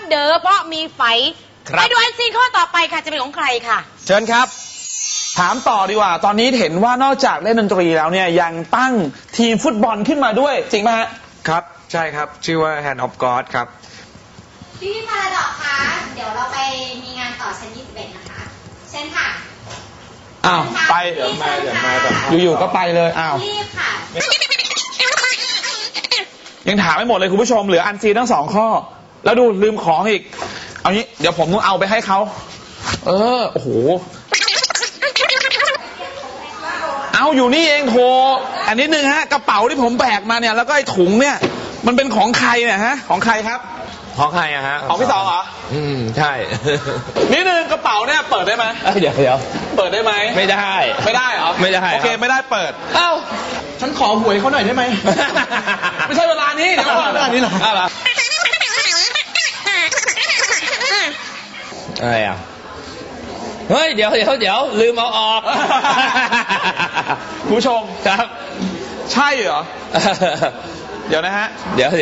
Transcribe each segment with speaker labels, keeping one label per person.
Speaker 1: เด้อเพราะมีไฝไปดูอันซีนข้อต่อไปค่ะจะเป็นของใครค่ะ
Speaker 2: เชิญครับถามต่อดีกว่าตอนนี้เห็นว่านอกจากเล่นดนตรีแล้วเนี่ยยังตั้งทีมฟุตบอลขึ้นมาด้วยจริงไหมฮะ
Speaker 3: ครับใช่ครับชื่อว่า Hand of God ครับ
Speaker 4: พี่พาราดอกคะเดี๋ยวเราไปมีงานต่อชั้น21นะคะเชิญค่ะ
Speaker 2: อ้าวไป
Speaker 3: เดี๋ยวมา
Speaker 2: อยู่ๆก็ไปเลยอ้าว
Speaker 4: รีบค่ะ
Speaker 2: ยังถามไม่หมดเลยคุณผู้ชมเหลืออันซีนทั้ง2 ข้อแล้วดูลืมของอีกเอางี้เดี๋ยวผมต้องเอาไปให้เขาโอ้โหเอาอยู่นี่เองโทรอันนิดนึงฮะกระเป๋าที่ผมแบกมาเนี่ยแล้วก็ไอ้ถุงเนี่ยมันเป็นของใครเนี่ยฮะของใครครับ
Speaker 3: ของใครอะฮะ
Speaker 2: ของพี่สองเหรอ
Speaker 3: ใช่
Speaker 2: นิดนึงกระเป๋าเนี่ยเปิดได้ไหม
Speaker 3: เดี๋ยว
Speaker 2: เปิดได้ไหม
Speaker 3: ไม่ได้
Speaker 2: เหรอ
Speaker 3: ไม่ได้
Speaker 2: โอเคไม่ได้เปิดเอ้าฉันขอหวยเขาหน่อยได้ไหมไม่ใช่เวลานี้เดี๋ยวก่อนเวลานี้เหรอ
Speaker 3: อะไรอ่ะเฮ้ยเดี๋ยวลืมเอาออก
Speaker 2: คุณผู้ชมครับใช่เหรอเดี๋ยวนะฮะ
Speaker 3: เดี๋ยว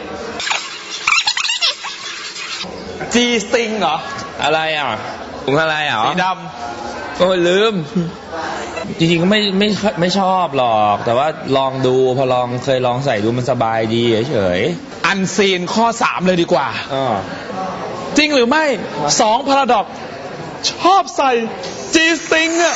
Speaker 2: G string เหรอ
Speaker 3: อะไรอ่ะถุงอะไรอ่ะ
Speaker 2: สีด
Speaker 3: ำก็ลืมจริงๆก็ไม่ชอบหรอกแต่ว่าลองดูพอเคยลองใส่ดูมันสบายดีเฉย
Speaker 2: ๆอันซีนข้อ3เลยดีกว่าจริงหรือไม่2 พาราดอกชอบใส่ G string อ่ะ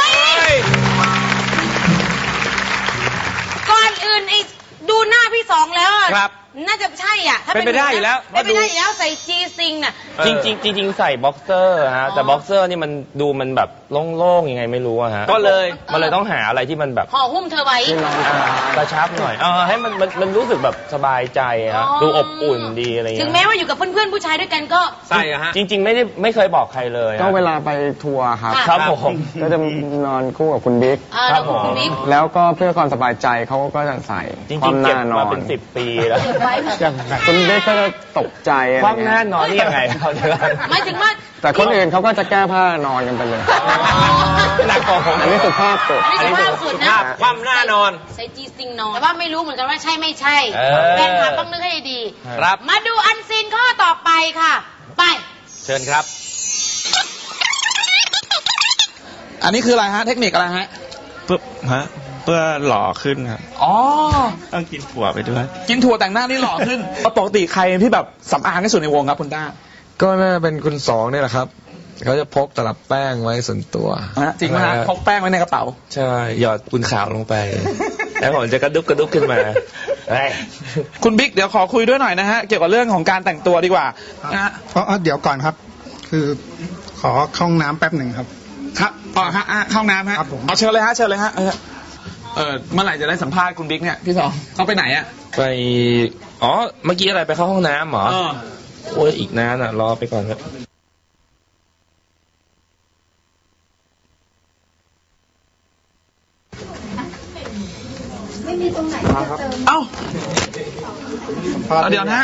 Speaker 1: ก่อนอื่นดูหน้าพี่สองแล้ว
Speaker 3: ครับ
Speaker 1: น่าจะใช่อ่ะถ้า
Speaker 3: เป็นไปได้อยู่แล้ว
Speaker 1: เป็นไปได้อยู่แล้วใส่ G string น่ะ
Speaker 3: จริงใส่บ็อกเซอร์ฮะแต่บ็อกเซอร์นี่มันดูมันแบบโล่งๆยังไงไม่รู้อะฮะก็เลยมันเลยต้องหาอะไรที่มันแบบ
Speaker 1: ห่อหุ้มเธอไว้
Speaker 3: กระชับหน่อยให้มันรู้สึกแบบสบายใจฮะดูอบอุ่นดีอะไรเงี้ย
Speaker 1: ถึงแม้ว่าอยู่กับเพื่อนๆผู้ชายด้วยกันก็
Speaker 3: ใช่ฮะจริงไม่เคยบอกใครเลย
Speaker 5: ก็เวลาไปทัวร์
Speaker 3: ครับผม
Speaker 5: ก็จะนอนคู่กับคุณบิ๊ก
Speaker 1: ครับผม
Speaker 5: แล้วก็เพื่อความสบายใจเขาก็จะใส่
Speaker 3: ความหน้านอนเป็น10 ปีแล้ว
Speaker 5: คุณบิ๊กก็จะตกใจ
Speaker 3: ความหน้านอนนี่ยังไงเขาจะ
Speaker 1: ไม่ถึงว่า
Speaker 5: แต่คนอื่นเขาก็จะแก้ผ้านอนกันไปเลย
Speaker 3: หนักกว่าผม
Speaker 5: อันนี้สุภาพสุด
Speaker 1: อันนี้สุภาพสุดนะ
Speaker 3: ความหน้านอน
Speaker 1: ใส่ G string นอนแต่ว่าไม่รู้เหมือนกันว่าใช่ไม่ใช่แฟนคลับต้องนึกให้ดี
Speaker 3: ครับ
Speaker 1: มาดูอันซีนข้อต่อไปค่ะไป
Speaker 3: เชิญครับ
Speaker 2: อันนี้คืออะไรฮะเทคนิคอะไรฮะ
Speaker 3: เพื่อหล่อขึ้นครับต้องกินถั่วไปด้วย
Speaker 2: กินถั่วแต่งหน้านี่หล่อขึ้นปกติใครที่แบบสำอางที่สุดในวงครับคุณต้า
Speaker 5: ก็น่าเป็นคุณสองนี่แหละครับเขาจะพกตลับแป้งไว้ส่วนตัว
Speaker 2: จริงไหมฮะพกแป้งไว้ในกระเป๋า
Speaker 5: ใช่หยอดปูนขาวลงไป
Speaker 3: แล้วผมจะกระดุกขึ้นมา
Speaker 2: คุณบิ๊กเดี๋ยวขอคุยด้วยหน่อยนะฮะเกี่ยวกับเรื่องของการแต่งตัวดีกว่านะฮะ
Speaker 6: เดี๋ยวก่อนครับคือขอเข้าห้องน้ำแป๊บหนึ่งครับ
Speaker 2: ครับห้องน้ำฮะเอาเชิญเลยฮะเมื่อไหร่จะได้สัมภาษณ์คุณบิ๊กเนี่ยพี่สองเขาไปไหนอ่ะ
Speaker 3: ไปเมื่อกี้อะไรไปเข้าห้องน้ำเหรอโอ้ยอีกนานอ่ะรอไปก่อนครับ
Speaker 4: ไม่มีตรงไหนจะเติม
Speaker 2: เดี๋ยวนะ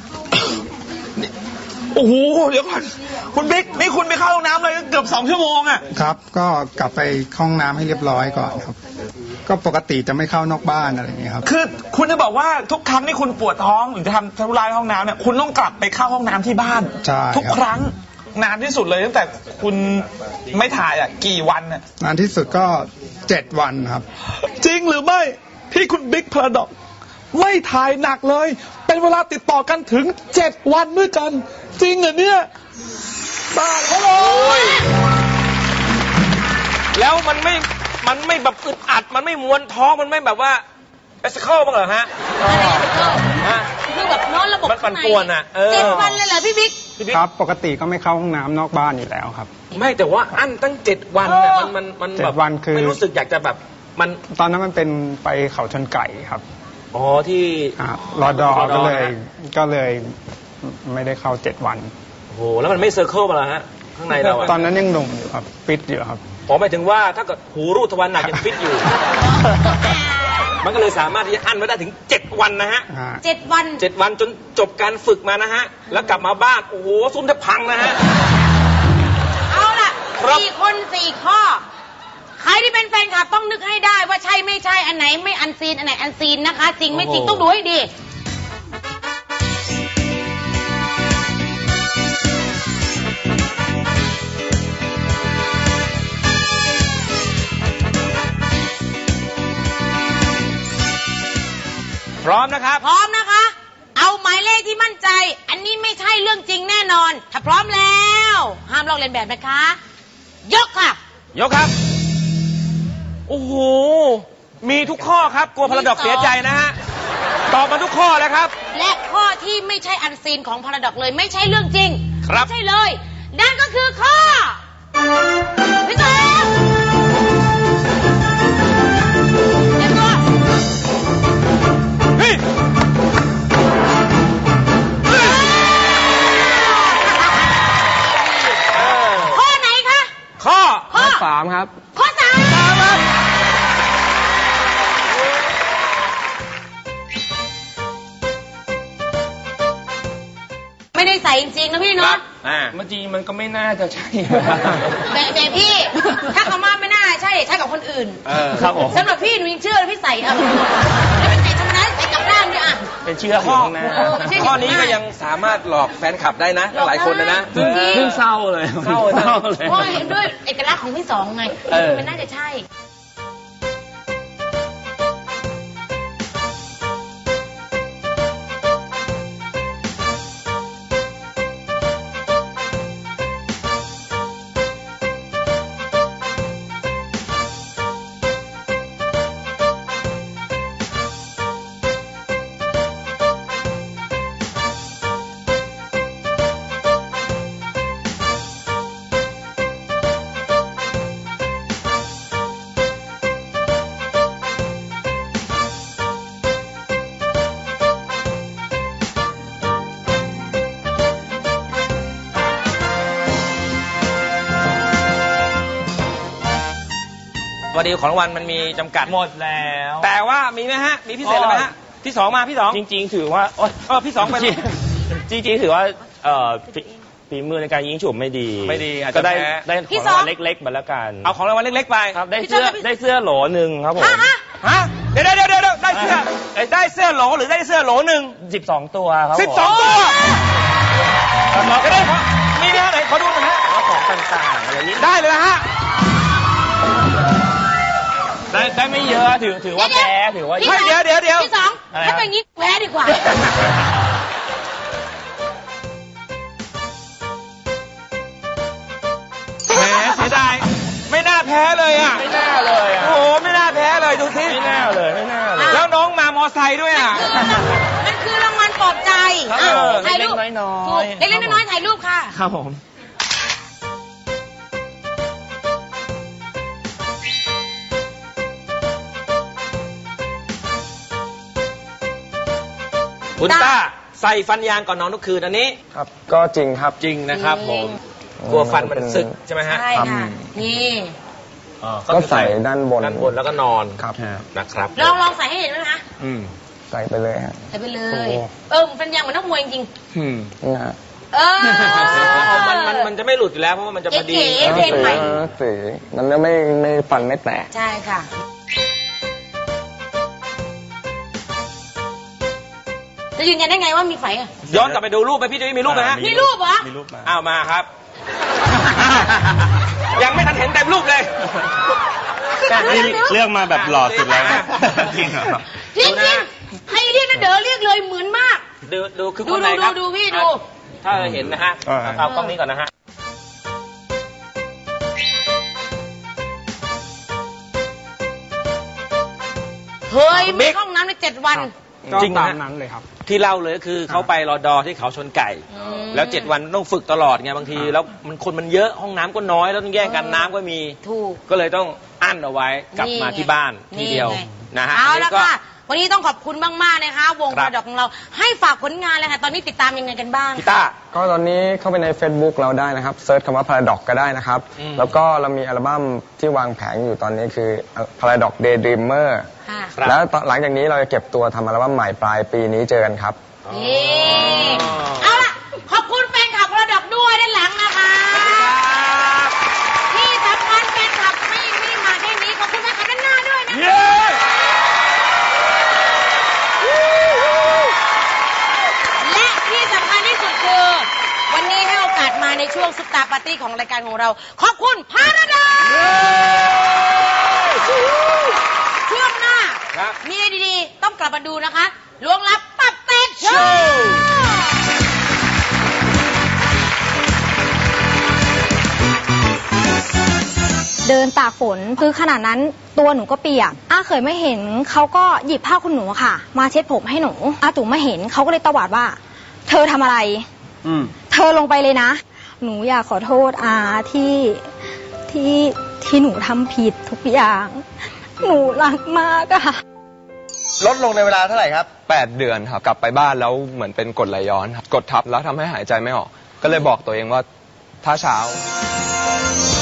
Speaker 2: โอ้โหเดี๋ยวก่อนคุณบิ๊กนี่คุณไปเข้าห้องน้ำเลยเกือบ2 ชั่วโมงอ่ะ
Speaker 6: ครับก็กลับไปห้องน้ำให้เรียบร้อยก่อนครับก็ปกติจะไม่เข้านอกบ้านอะไรอย่างเงี้ยครับ
Speaker 2: คือคุณจะบอกว่าทุกครั้งที่คุณปวดท้องหรือจะทำธุระในห้องน้ำเนี่ยคุณต้องกลับไปเข้าห้องน้ำที่บ้านทุกครั้งนานที่สุดเลยตั้งแต่คุณไม่ถ่ายกี่วันน่ะ
Speaker 6: นานที่สุดก็7 วันครับ
Speaker 2: จริงหรือไม่ที่คุณบิ๊กพาราดอกไม่ถ่ายหนักเลยเป็นเวลาติดต่อกันถึง7 วันด้วยกันจริงเหรอเนี่ยบ้าเลย
Speaker 3: แล้วมันไม่แบบอึดอัดมันไม่มวนท้องมันไม่แบบว่าเอสเคิลบ้างเหรอฮะ
Speaker 1: คือแบบนอนระบบ
Speaker 3: มันปั่นป่วนอ่ะ
Speaker 1: 7 วันเลยเหรอพี่บิ๊ก
Speaker 6: ครับปกติก็ไม่เข้าห้องน้ำนอกบ้านอยู่แล้วครับ
Speaker 3: ไม่แต่ว่าอั้นตั้ง7 วันเนี่ยมันแบบ
Speaker 6: 7 วันคือ
Speaker 3: ไม่รู้สึกอยากจะแบบมัน
Speaker 6: ตอนนั้นมันเป็นไปเขาชนไก่ครับ
Speaker 3: ที่
Speaker 6: รอดอก็เลยไม่ได้เข้า7 วัน
Speaker 3: โอ้โหแล้วมันไม่เซอร์เคิลมาแล้วฮะข้างในเรา
Speaker 6: ตอนนั้นยังหนุ่มอยู่ครับฟิตอยู่ครับ
Speaker 3: หมายถึงว่าถ้าเกิดหูรูดทวารหนักยังฟิตอยู่มันก็เลยสามารถที่จะอั้นไว้ได้ถึง7 วันนะฮะ
Speaker 1: 7 วัน
Speaker 3: จนจบการฝึกมานะฮะแล้วกลับมาบ้านโอ้โหซุ่มแทบพังนะฮะ
Speaker 1: เอาล่ะ4 คน 4 ข้อใครที่เป็นแฟนคลับต้องนึกให้ได้ว่าใช่ไม่ใช่อันไหนไม่อันซีนอันไหนอันซีนนะคะจริงไม่จริงต้องดูให้ดี
Speaker 7: พร้อมนะครับ
Speaker 1: พร้อมนะคะ เอาหมายเลขที่มั่นใจ อันนี้ไม่ใช่เรื่องจริงแน่นอน ถ้าพร้อมแล้ว ห้ามลอกเลียนแบบนะคะ ยกค่ะ
Speaker 7: ยกครับ โอ้โห มีทุกข้อครับ กลัวพาราดอกเสียใจนะฮะ ตอบมาทุกข้อแล้วครับ
Speaker 1: และข้อที่ไม่ใช่อันซีนของพาราดอกเลย ไม่ใช่เรื่องจริง
Speaker 7: ครับ
Speaker 1: ไม่ใช่เลย นั่นก็คือข้อพี่เต๋อเตรียมตัว
Speaker 7: เฮ้ย
Speaker 1: ข้อไหนคะ
Speaker 7: ข้อ
Speaker 1: ข้อ
Speaker 5: 3 ครับ
Speaker 1: ข้อสามไม่ได้ใส่จริงๆนะพี่เนาะ
Speaker 3: เมื่อกี้มันก็ไม่น่าจะใช่
Speaker 1: แต่พี่ ถ้าเขามาไม่น่าใช่กับคนอื่น
Speaker 3: ครับผม
Speaker 1: สำหรับพี่หนูยังเชื่อเลยพี่ใส่เอาแล้วเป็นใส่ธรรมดาใส่กลับด้านด้วยอ่ะ
Speaker 3: เป็นเชื่อข้อข้างหน้า
Speaker 7: ข้อนี้ก็ยังสามารถหลอกแฟนคลับได้นะหลายคนนะ
Speaker 1: จริง
Speaker 3: เพิ่งเศร้าเลย
Speaker 7: เศร้าเลย
Speaker 1: เพราะเห็นด้วยเอกลักษณ์ของพี่สองไง
Speaker 3: เออ
Speaker 1: มันน่าจะใช่
Speaker 7: วันนี้ของรางวัลมันมีจำกัด
Speaker 3: หมดแล้ว
Speaker 7: แต่ว่ามีไหมฮะ มีพิเศษอะไรไหมฮะ พี่สองมาพี่สอง
Speaker 3: จริง ๆ ถือว่าโอ๊ย
Speaker 7: พี่สองไป
Speaker 3: จริงๆถือว่าฝีมือในการยิงฉุบไม่ดี
Speaker 7: ไม่ดีอาจจะ
Speaker 3: ก็ได้
Speaker 7: แพ้
Speaker 3: ได้
Speaker 1: พี่
Speaker 3: ของ
Speaker 1: ส
Speaker 3: รา
Speaker 1: อง
Speaker 3: งวัลเล็กๆมาแล้วกัน
Speaker 7: เอาของรางวัลเล็กๆไป
Speaker 3: ครับได้
Speaker 1: พี่
Speaker 3: เสื้อ
Speaker 1: เจ้า
Speaker 3: ได้เสื้อโหลหนึ่งครับผม
Speaker 7: ฮะ เดี๋ยวได้เสื้อได้เสื้อโหลหรือได้เสื้อโหลหนึ่ง
Speaker 3: 12 ตัวครับผม
Speaker 7: 12 ตัวจะได้ของมีไหมฮะไหนขอดูหน่อยฮะ
Speaker 3: แล้วของต่างๆอะไรนี้
Speaker 7: ได้เลยฮะ
Speaker 3: ได้ไม่เยอะถือว่าแพ้ถือว่า
Speaker 1: พี่
Speaker 7: เฮ้ยเดี๋ยว
Speaker 1: พี่สอง
Speaker 3: อะไร
Speaker 1: ถ้า
Speaker 3: ครับ
Speaker 1: เป็นอย่างนี้แพ้ดีกว่า
Speaker 7: แหมเสียดายไม่น่าแพ้เลยอ่ะ
Speaker 3: ไม่น่าเลยอ่ะ
Speaker 7: โอ้โหไม่น่าแพ้เลยดูสิ
Speaker 3: ไม่น่าเลยไม่น่าเลย
Speaker 7: แล้วน้องมามอไซค์ด้วยอ่ะ
Speaker 1: มันคือรางวัลปลอบใจ
Speaker 3: ครับ
Speaker 1: อ่ะ
Speaker 3: ผม
Speaker 1: ถ่ายรูป
Speaker 3: เล็กๆน้อยๆ
Speaker 1: ถูกเล็กๆน้อยๆถ่ายรูปค่ะ
Speaker 3: ครับผม
Speaker 7: คุณต้าใส่ฟันยางก่อนนอนทุกคืนอันนี้
Speaker 5: ครับ ก็จริงครับ
Speaker 7: จริงนะครับผมกลัวฟันมันสึกใช่ไหมฮะ
Speaker 1: ใช่ค่ะ นี่
Speaker 5: ก็ใส่ด้านบน
Speaker 7: ด้านบนแล้วก็นอน
Speaker 5: ครับ
Speaker 7: นะครับ
Speaker 1: ลองใส่ให้เห็นไหมคะ
Speaker 5: ใส่ไปเลยฮะ
Speaker 1: ใส่ไปเล
Speaker 5: โอ้
Speaker 1: ย
Speaker 5: โห
Speaker 1: เป็นยางเหมือนนักมวยจริง
Speaker 5: นี่ฮะ
Speaker 1: ๆเออ
Speaker 7: มันจะไม่หลุดอยู่แล้วเพราะว่ามันจะพอดี
Speaker 1: เก๋ เพลงใหม่
Speaker 5: สีมันจะไม่ฟันไม่แตก
Speaker 1: ใช่ค่ะ จะยืนยันได้ไงว่ามีไฝอ่ะ
Speaker 7: ย้อนกลับไปดูรูปไหมพี่จะมีรูปไหมฮะ
Speaker 1: มีรูปเหรอ
Speaker 3: มีรูปมา
Speaker 7: อ้าวมาครับ ยังไม่ทันเห็นเต็มรูปเลย
Speaker 3: นี่เลือกมาแบบหล่อสุดแล้วนะจริงเหรอ
Speaker 1: จริงๆให้เรียกนะเด๋อเรียกเลยเหมือนมาก
Speaker 7: ดูคือ
Speaker 1: ดู
Speaker 7: คนไหนครับ
Speaker 1: ดูพี่ดู
Speaker 7: ถ้าเห็นนะฮะ เอากล้องนี้ก่อนนะฮะ
Speaker 1: เฮ้ยไม่เข้าห้องน้ำใน7 วัน
Speaker 7: จริงตามนั้นเลยครับ ที่เล่าเลยก็คือเขาไปรอดอที่เขาชนไก่
Speaker 1: อืม
Speaker 7: แล้ว7 วันต้องฝึกตลอดไงบางที แล้วคนมันเยอะห้องน้ำก็น้อยแล้วต้องแย่งกันน้ำก็มี
Speaker 1: ถูก
Speaker 7: ก็เลยต้องอั้นเอาไว้กลับมาที่บ้านทีเดียวนะฮะ
Speaker 1: เอา
Speaker 7: น
Speaker 1: ละ
Speaker 7: นี้ก็
Speaker 1: ค่ะ วันนี้ต้องขอบคุณมากๆนะคะ วง
Speaker 7: ครั
Speaker 1: ป
Speaker 7: บ
Speaker 1: ระดอกของเรา ให้ฝากผลงานเลยค่ะ ตอนนี้ติดตามยังไงกันบ้าง
Speaker 7: พี่ต้า
Speaker 5: ก็ตอนนี้เข้าไปใน Facebook เราได้นะครับเซิร์ชคำว่า Paradox ก็ได้นะครับ
Speaker 7: อืม
Speaker 5: แล้วก็เรามีอัลบั้มที่วางแผงอยู่ตอนนี้คือ Paradox Daydreamer
Speaker 1: ค่ะ
Speaker 7: ครับ
Speaker 5: แล้วหลังจากนี้เราจะเก็บตัวทำอัลบั้มใหม่ปลายปีนี้เจอกันครับ
Speaker 1: นี่เอาล่ะ ขอบคุณแฟนคลับประดอกด้วยด้านหลังนะคะ ที่สำคัญแฟนคลับไม่ได้มาแค่นี้ ขอบคุณแฟนคลับด้านหน้าด้วยนะ
Speaker 7: เย้
Speaker 1: และที่สำคัญที่สุดคือ วันนี้ให้โอกาสมาในช่วงซุปตาปาร์ตี้ของรายการของเรา ขอบคุณพาราดาช่วงหน้า
Speaker 7: ครับ
Speaker 1: มีอะไรดีๆ ต้องกลับมาดูนะคะล้วงลับตับแตกโชว์
Speaker 8: เดินตากฝนคือขนาดนั้นตัวหนูก็เปียกเคยไม่เห็นเขาก็หยิบผ้าคุณหนูค่ะมาเช็ดผมให้หนูจุ๋มมาเห็นเขาก็เลยตวาดว่าเธอทำอะไรเธอลงไปเลยนะหนูอยากขอโทษที่หนูทำผิดทุกอย่างหนูรักมากอะ
Speaker 9: ลดลงในเวลาเท่าไหร่ครับ8 เดือนครับกลับไปบ้านแล้วเหมือนเป็นกรดไหลย้อนครับกดทับแล้วทำให้หายใจไม่ออกก็เลยบอกตัวเองว่าถ้าเช้า